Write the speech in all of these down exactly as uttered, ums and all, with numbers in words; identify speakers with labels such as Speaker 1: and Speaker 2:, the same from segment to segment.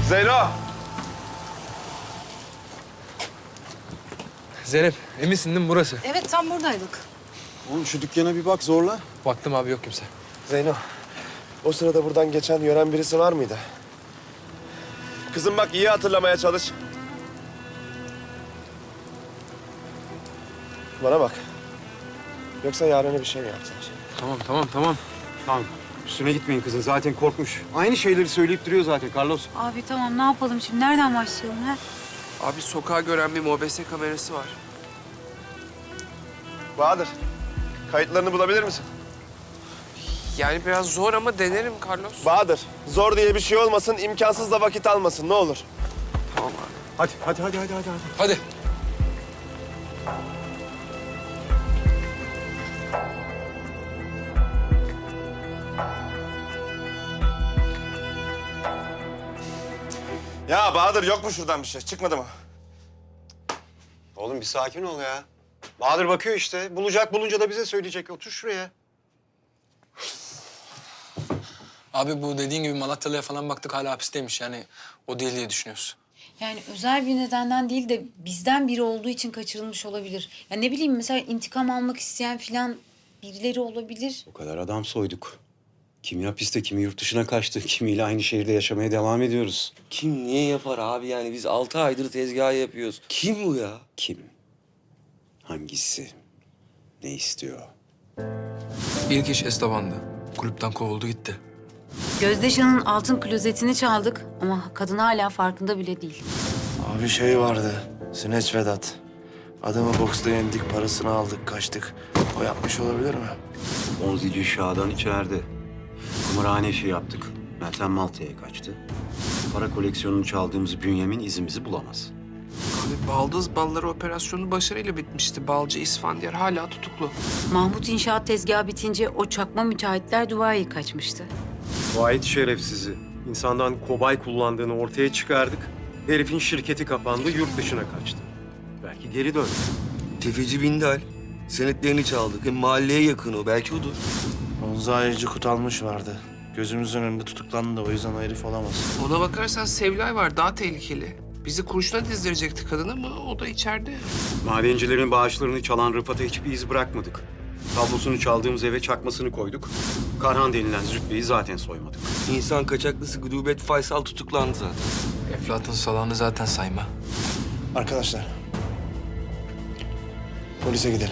Speaker 1: Zeyno!
Speaker 2: Zeynep, eminsin değil mi burası?
Speaker 3: Evet, tam buradaydık.
Speaker 4: Oğlum şu dükkana bir bak zorla.
Speaker 2: Baktım abi, yok kimse.
Speaker 1: Zeyno, o sırada buradan geçen, gören birisi var mıydı? Kızım bak, iyi hatırlamaya çalış. Bana bak. Yoksa Yaren'e bir şey mi yaptılar?
Speaker 2: Tamam, tamam, tamam.
Speaker 4: Tamam. Üstüne gitmeyin kızın. Zaten korkmuş. Aynı şeyleri söyleyip duruyor zaten Carlos.
Speaker 3: Abi tamam, ne yapalım şimdi? Nereden başlayalım ha?
Speaker 5: Abi sokağa gören bir mobese kamerası var.
Speaker 1: Bahadır, kayıtlarını bulabilir misin?
Speaker 5: Yani biraz zor ama denerim Carlos.
Speaker 1: Bahadır, zor diye bir şey olmasın, imkansız da vakit almasın, ne olur.
Speaker 5: Tamam abi.
Speaker 4: Hadi, hadi, hadi, hadi, hadi. hadi.
Speaker 2: Hadi.
Speaker 1: Ya Bahadır, yok mu şuradan bir şey? Çıkmadı mı?
Speaker 4: Oğlum bir sakin ol ya. Bahadır bakıyor işte. Bulacak, bulunca da bize söyleyecek. Otur şuraya.
Speaker 2: Abi bu dediğin gibi Malatyalı'ya falan baktık, hala hapisteymiş. Yani o değil diye düşünüyoruz.
Speaker 3: Yani özel bir nedenden değil de bizden biri olduğu için kaçırılmış olabilir. Ya ne bileyim, mesela intikam almak isteyen filan birileri olabilir.
Speaker 4: O kadar adam soyduk. Kimi hapiste, kimi yurt dışına kaçtı. Kimiyle aynı şehirde yaşamaya devam ediyoruz.
Speaker 5: Kim niye yapar abi yani biz altı aydır tezgah yapıyoruz. Kim bu ya?
Speaker 4: Kim? Hangisi? Ne istiyor?
Speaker 2: İlk iş Esteban'dı. Kulüpten kovuldu gitti.
Speaker 3: Gözdeşan'ın altın klozetini çaldık ama kadın hala farkında bile değil.
Speaker 1: Abi şey vardı, Sineç Vedat. Adamı boksta yendik, parasını aldık, kaçtık. O yapmış olabilir mi?
Speaker 4: Onzici Şah'dan içeride. Kumarhane işi yaptık. Meltem Malta'ya kaçtı. Para koleksiyonunu çaldığımız Bünyamin izimizi bulamaz.
Speaker 5: Abi baldız balları operasyonu başarıyla bitmişti. Balcı İsfandiyar hala tutuklu.
Speaker 3: Mahmut inşaat tezgahı bitince o çakma müteahhitler Dubai'ye kaçmıştı.
Speaker 4: Vahit şerefsizi. İnsandan kobay kullandığını ortaya çıkardık. Herifin şirketi kapandı, yurt dışına kaçtı. Belki geri döndü.
Speaker 6: Tefeci Bindal. Senetlerini çaldık. Hem mahalleye yakın o. Belki odur.
Speaker 1: Onza Ayıcı Kutalmış vardı. Gözümüzün önünde tutuklandı da o yüzden o herif olamaz.
Speaker 5: Ona bakarsan Sevlay var daha tehlikeli. Bizi kurşuna dizdirecekti kadın ama o da içeride.
Speaker 4: Madencilerin bağışlarını çalan Rıfat'a hiçbir iz bırakmadık. Tablosunu çaldığımız eve çakmasını koyduk. Karhan denilen zübbeyi zaten soymadık.
Speaker 6: İnsan kaçaklısı Gudubet Faysal tutuklandı zaten.
Speaker 2: Eflatun salağını zaten sayma.
Speaker 1: Arkadaşlar, polise gidelim.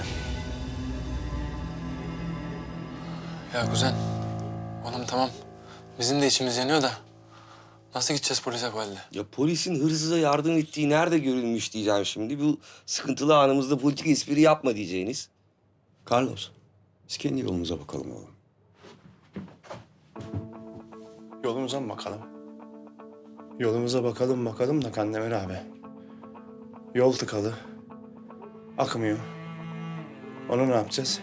Speaker 2: Ya kuzen, oğlum tamam. Bizim de içimiz yanıyor da nasıl gideceğiz polise bu halde?
Speaker 6: Ya polisin hırsıza yardım ettiği nerede görülmüş diyeceğim şimdi. Bu sıkıntılı anımızda politik espri yapma diyeceğiniz.
Speaker 4: Carlos, biz kendi yolumuza bakalım oğlum.
Speaker 1: Yolumuza mı bakalım? Yolumuza bakalım bakalım da Kandemir abi. Yol tıkalı. Akmıyor. Onu ne yapacağız?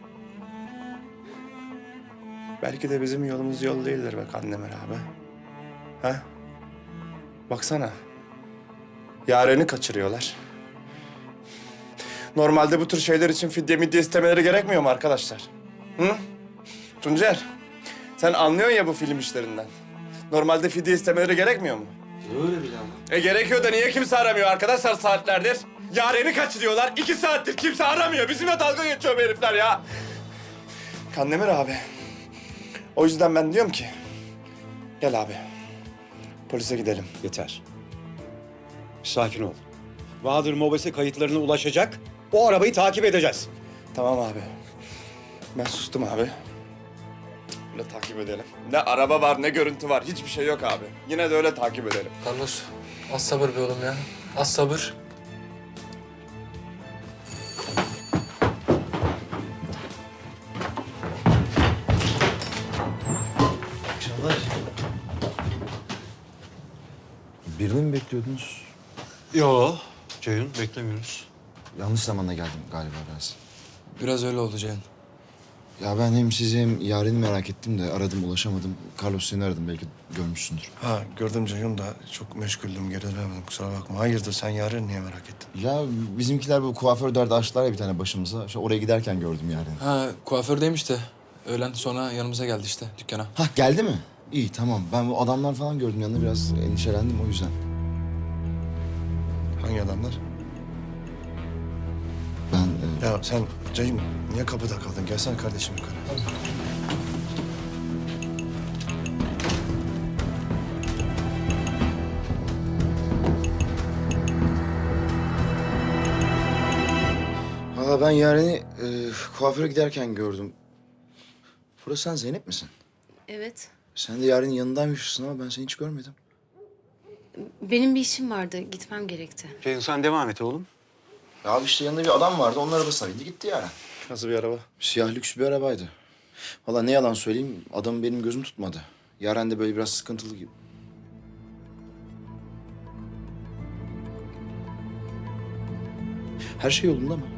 Speaker 1: Belki de bizim yolumuz yol değildir be Kandemir abi. Ha? Baksana. Yaren'i kaçırıyorlar. Normalde bu tür şeyler için fidye midye istemeleri gerekmiyor mu arkadaşlar? Hı? Tuncer, sen anlıyorsun ya bu film işlerinden. Normalde fidye istemeleri gerekmiyor mu?
Speaker 6: Öyle bile ama.
Speaker 1: E gerekiyor da niye kimse aramıyor arkadaşlar saatlerdir? Yaren'i kaçırıyorlar. İki saattir kimse aramıyor. Bizimle dalga geçiyor bu herifler ya. Kandemir abi. O yüzden ben diyorum ki... Gel abi. Polise gidelim.
Speaker 4: Yeter. Bir sakin ol. Bahadır Mobese kayıtlarına ulaşacak. O arabayı takip edeceğiz.
Speaker 1: Tamam abi. Ben sustum abi. Öyle takip edelim. Ne araba var ne görüntü var. Hiçbir şey yok abi. Yine de öyle takip edelim.
Speaker 2: Carlos, az sabır be oğlum ya. Az sabır.
Speaker 7: Birini mi bekliyordunuz?
Speaker 4: Yo, Ceyhun beklemiyoruz.
Speaker 7: Yanlış zamanda geldim galiba biraz.
Speaker 2: Biraz öyle oldu Ceyhun.
Speaker 7: Ya ben hem sizi hem Yaren'i merak ettim de aradım ulaşamadım. Carlos seni aradım, belki görmüşsündür.
Speaker 1: Ha gördüm Ceyhun da çok meşguldüm. Geri dönemedim kusura bakma. Hayırdır sen Yaren'i niye merak ettin?
Speaker 7: Ya bizimkiler bu kuaför derdi açtılar ya bir tane başımıza. İşte oraya giderken gördüm Yaren'i.
Speaker 2: Ha, kuafördeymiş de öğlen sonra yanımıza geldi işte dükkana.
Speaker 7: Hah, geldi mi? İyi tamam. Ben bu adamlar falan gördüm yanında biraz endişelendim o yüzden.
Speaker 1: Hangi adamlar?
Speaker 7: Ben e,
Speaker 1: Ya sen Ceyhun niye kapıda kaldın? Gelsene kardeşim yukarı.
Speaker 7: valla ben Yaren'i e, kuaföre giderken gördüm. Burası sen Zeynep misin?
Speaker 8: Evet.
Speaker 7: Sen de Yaren'in yanındaymışsın ama ben seni hiç görmedim.
Speaker 8: Benim bir işim vardı. Gitmem gerekti.
Speaker 4: Ceyhun sen devam et oğlum.
Speaker 7: Ya abi işte yanında bir adam vardı. Onun arabasına bindi gitti Yaren.
Speaker 1: Nasıl bir araba?
Speaker 7: Siyah lüks bir arabaydı. Valla ne yalan söyleyeyim adamı benim gözüm tutmadı. Yaren de böyle biraz sıkıntılı gibi. Her şey yolunda mı?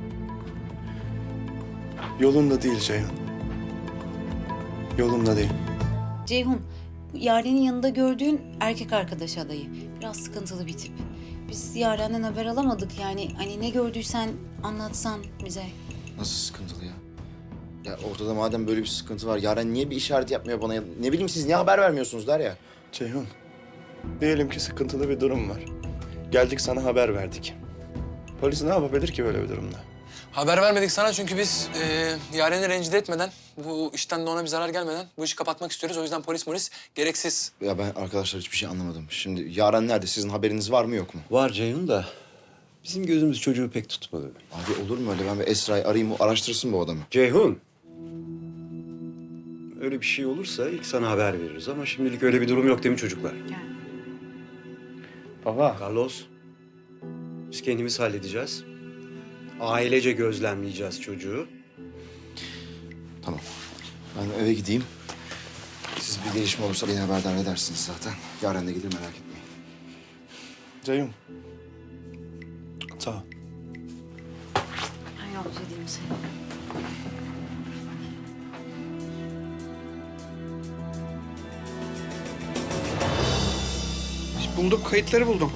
Speaker 1: Yolunda değil Ceyhun. Yolunda değil.
Speaker 3: Ceyhun, bu Yaren'in yanında gördüğün erkek arkadaş adayı. Biraz sıkıntılı bir tip. Biz Yaren'den haber alamadık yani. Hani ne gördüysen anlatsan bize.
Speaker 7: Nasıl sıkıntılı ya? Ya ortada madem böyle bir sıkıntı var, Yaren niye bir işaret yapmıyor bana? Ya, ne bileyim siz niye haber vermiyorsunuz der ya.
Speaker 1: Ceyhun, diyelim ki sıkıntılı bir durum var. Geldik sana haber verdik. Polis ne yapabilir ki böyle bir durumda?
Speaker 2: Haber vermedik sana çünkü biz e, Yaren'i rencide etmeden, bu işten de ona bir zarar gelmeden bu işi kapatmak istiyoruz. O yüzden polis polis gereksiz.
Speaker 7: Ya ben arkadaşlar hiçbir şey anlamadım. Şimdi Yaren nerede? Sizin haberiniz var mı yok mu?
Speaker 4: Var Ceyhun da bizim gözümüz çocuğu pek tutmadı.
Speaker 7: Abi olur mu öyle? Ben bir Esra'yı arayayım, o araştırsın bu adamı.
Speaker 4: Ceyhun. Öyle bir şey olursa ilk sana haber veririz ama şimdilik öyle bir durum yok değil mi çocuklar?
Speaker 1: Baba.
Speaker 4: Carlos, biz kendimiz halledeceğiz. Ailece gözlemleyeceğiz çocuğu.
Speaker 7: Tamam. Ben eve gideyim. Siz bir gelişme olursa beni haberdar edersiniz zaten. Yaren de gelir merak etmeyin.
Speaker 1: Ceyhun. Sağ ol.
Speaker 8: Ben yolcu edeyim seni.
Speaker 5: Buldum, kayıtları buldum.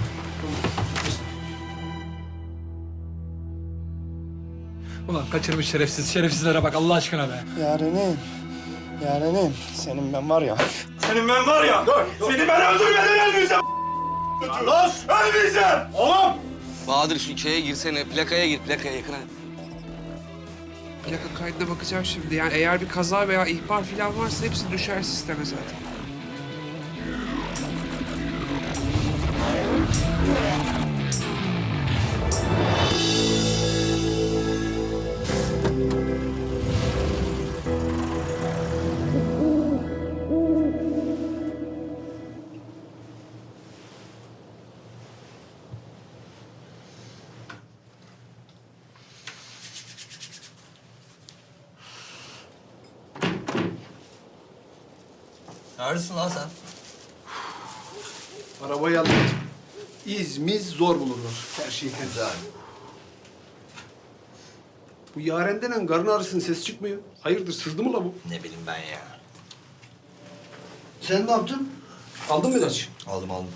Speaker 9: Ulan kaçırmış şerefsiz. Şerefsizlere bak Allah aşkına be.
Speaker 1: Yarenim. Yarenim. Senin ben var ya. Senin ben var ya. Seni ben öldürmeden ölmeyeceğim. Los! Ölmeyeceğim! Oğlum!
Speaker 6: Bahadır şu şeye girsene. Plakaya gir. Plakaya yakına.
Speaker 5: Plaka kaydına bakacağım şimdi. Yani eğer bir kaza veya ihbar falan varsa hepsi düşer sisteme zaten.
Speaker 9: Neredesin lan sen?
Speaker 10: Arabayı aldım. İzmiz zor bulunur. Her şey güzel. Bu Yaren denen karın ağrısının sesi çıkmıyor. Hayırdır sızdı mı la bu?
Speaker 9: Ne bileyim ben ya.
Speaker 10: Sen ne yaptın? Aldın mı ilaç?
Speaker 9: Aldım aldım.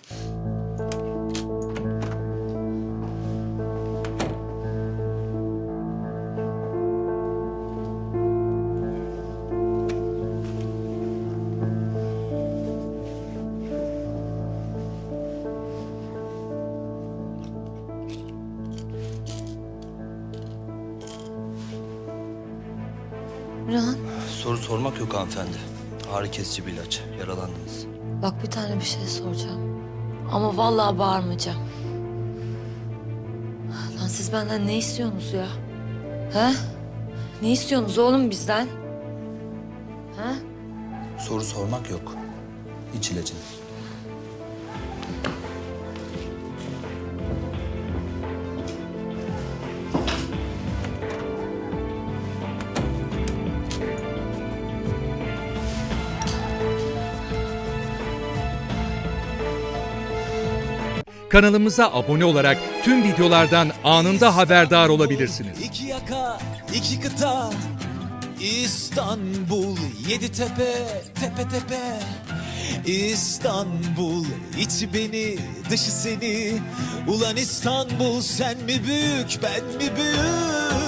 Speaker 8: Rıhan,
Speaker 9: Soru sormak yok hanımefendi. Ağrı kesici bir ilaç. Yaralandınız.
Speaker 8: bak bir tane bir şey soracağım. Ama vallahi bağırmayacağım. Lan siz benden ne istiyorsunuz ya? He? Ne istiyorsunuz oğlum bizden? He?
Speaker 9: Soru sormak yok. İç ilacını.
Speaker 11: Kanalımıza abone olarak tüm videolardan anında haberdar olabilirsiniz.
Speaker 12: İki yaka, iki kıta, İstanbul, yedi tepe, tepe tepe. İstanbul, içi beni, dışı seni. Ulan İstanbul, sen mi büyük, ben mi büyük?